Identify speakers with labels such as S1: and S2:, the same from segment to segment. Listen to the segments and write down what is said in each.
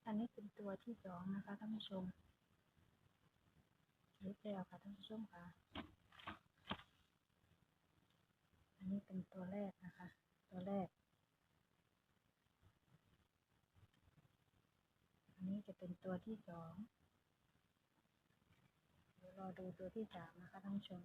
S1: อันนี้เป็นตัวที่สองนะคะท่านผู้ชมรู้แล้วค่ะท่านผู้ชมค่ะอันนี้เป็นตัวแรกนะคะตัวแรกอันนี้จะเป็นตัวที่สองเดี๋ยวรอดูตัวที่สามนะคะท่านผู้ชม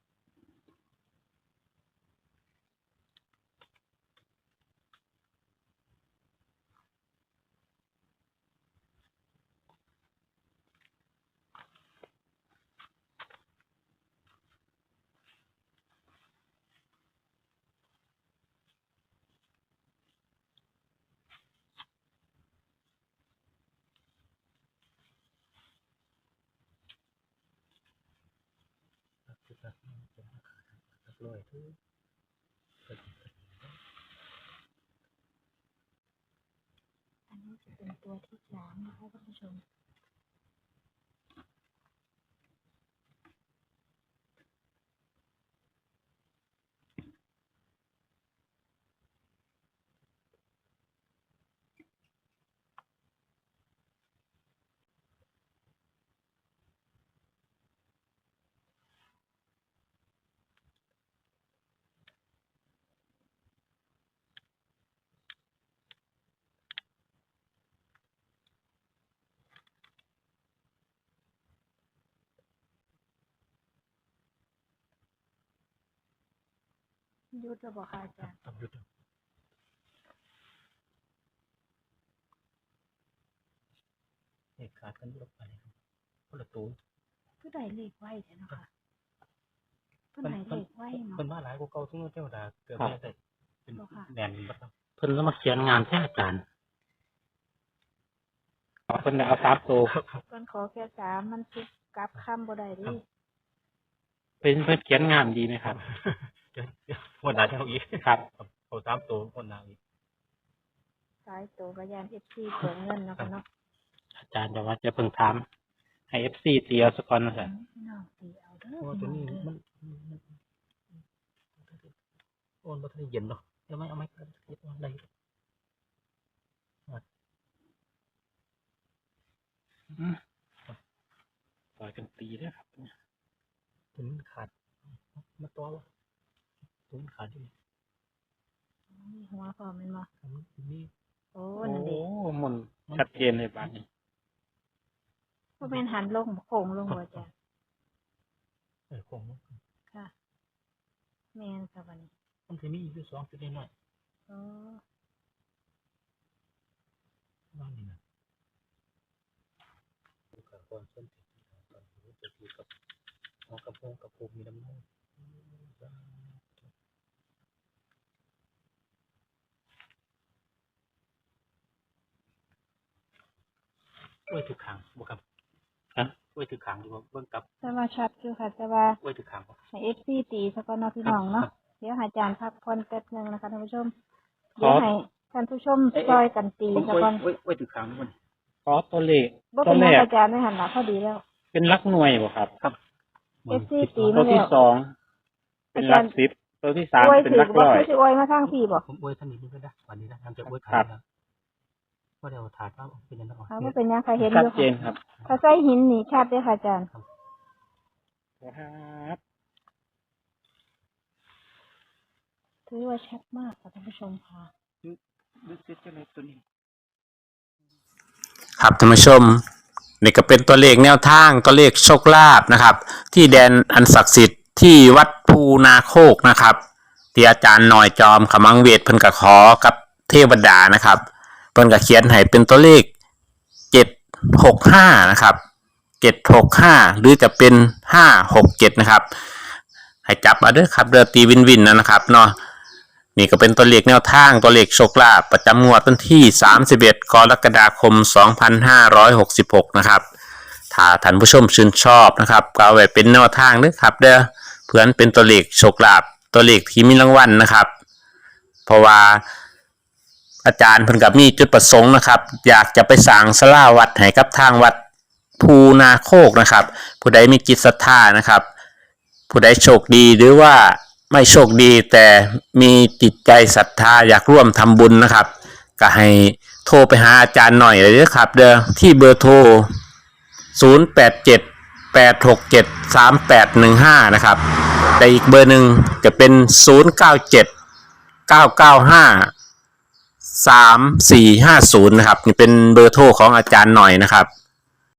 S1: อันนี้จะเป็นตัวที่สามนะคะท่านผู้ชมยุทธบอกค่ะอาจารย์
S2: หยุดเหตุการณ์กันลบไปคนละตัว
S1: ผู้ใดเลขไว้ใช่ไหมคะผู้ใดเลขไว้เนาะ
S2: เป็นมาหลายกว่าเก่าทุกเจ้าดาเกิดไม่ได้เป็นแน่นบัดครับ
S3: เพิ่นก็มาเขียนงานแท้อาจารย์เพิ่นเอา3ตัว
S1: เพิ่นขอแค่สามมันสิกลับคำบ่ได้ดิ
S3: เพิ่นเขียนงานดีไหมครับ
S2: วันหน้าจะเอาอีก
S3: ครับ
S2: เอา3ตัววันหน้าอีก
S1: สายตัวกระยาน FC เปิดเงินเนาะค่ะเนาะ
S3: อาจารย์จะว่าจะเพิ่งถามให้ FC เตียวสักก่อนนะครั
S1: พ
S3: บี่
S1: น้องตีเอาเด้อ
S2: ตัวนี้มันโอนบ่ทันเย็นเนาะเอาไหมเฮ็ดได้
S3: ต่อยกันตีด้วยครับ
S2: ถึงขาดมาตัววะถึงขาดอยู่
S1: นี่หัวพอมันบ่
S2: นี่
S1: โอ้นั่นดิ
S3: หมุนชัดเจนเลยบาดนี้
S1: บ่แม่นหันลงโค้งลงบ่จ้ะ
S2: โค้ง
S1: ค่ะแม่นค่ะบัดนี้
S2: มันสิมีอยู่2จุดน้อย
S1: อ๋อ
S2: บ้านนี่นะดูกับคนส้นติดตอนรู้จะอยู่กับหอกระโปรงกับภูมีน้ำมันไว้ถือขางบ่ครับ
S3: ฮะ
S2: ไว้ถือขางอยู่เบิ่งกับ
S1: แต่ว่าชัดอยู่ค่ะแต่ว่า
S2: ไว้ถือขางบ่
S1: ให้ FC ตีซะก่อนเนาะพี่น้องเนาะเดี๋ยวอาจารย์พักผ่อนแป๊บนึงนะคะท่านผู้ชมเดี๋ยวให้ท่านผู้ชมช่วยกันตีซะก่อน
S2: ไว้ถือขางมัน
S3: ขอตัวเลข
S1: ตัวแรกอาจารย์ได้หันหลังพอดีแล้ว
S3: เป็นหลักหน่วยบ่ครับ
S2: ครับ
S1: FC ตี
S3: ตัวที่2เป็นหลัก10ตัวที่3เป็นหลักร้อย
S1: สิอวยมาทางพี่บ่
S2: ผมอวยท่านนี้มันก็ได้วันนี้นะทำจะอวยขายนะว่าเดี๋ยวถาดว่าเป็นยังไง
S1: ว่าเป็นยังใครเห็น
S3: ชัดเจนครับ
S1: ถ้าใส่หินนี่ชัดเลยค่ะอาจารย์
S3: ครับ
S1: ถือว่าชัดมากค่ะท่านผู้ชมค่ะ
S3: ดูเสร็จเลยตัวนี้
S4: ครับท่านผู้ชมนี่ก็เป็นตัวเลขแนวทางตัวเลขโชคลาภนะครับที่แดนอันศักดิ์สิทธิ์ที่วัดภูนาโคกนะครับที่อาจารย์หน่อยจอมขมังเวทเพิ่นก็ขอกับเทวดานะครับเพิ่นก็เขียนให้เป็นตัวเลข765นะครับ765หรือจะเป็น567นะครับให้จับมาเด้อครับเรือตีวินนะครับเนาะนี่ก็เป็นตัวเลขแนวทางตัวเลขโชคลาภประจำงวดวันที่31กรกฎาคม2566นะครับถ้าท่านผู้ชมชื่นชอบนะครับก็เอาไว้เป็นแนวทางเด้อครับเด้อเพื่อนเป็นตัวเลขโชคลาภตัวเลขที่มีรางวัลนะครับเพราะว่าอาจารย์เพิ่นก็มีจุดประสงค์นะครับอยากจะไปสร้างศาลาวัดให้กับทางวัดภูนาโคกนะครับผู้ใดมีจิตศรัทธานะครับผู้ใดโชคดีหรือว่าไม่โชคดีแต่มีจิตใจศรัทธาอยากร่วมทำบุญนะครับก็ให้โทรไปหาอาจารย์หน่อยเลยนะครับเด้อที่เบอร์โทร0878673815นะครับแต่อีกเบอร์หนึ่งจะเป็น0979953450นะครับนี่เป็นเบอร์โทรของอาจารย์หน่อยนะครับ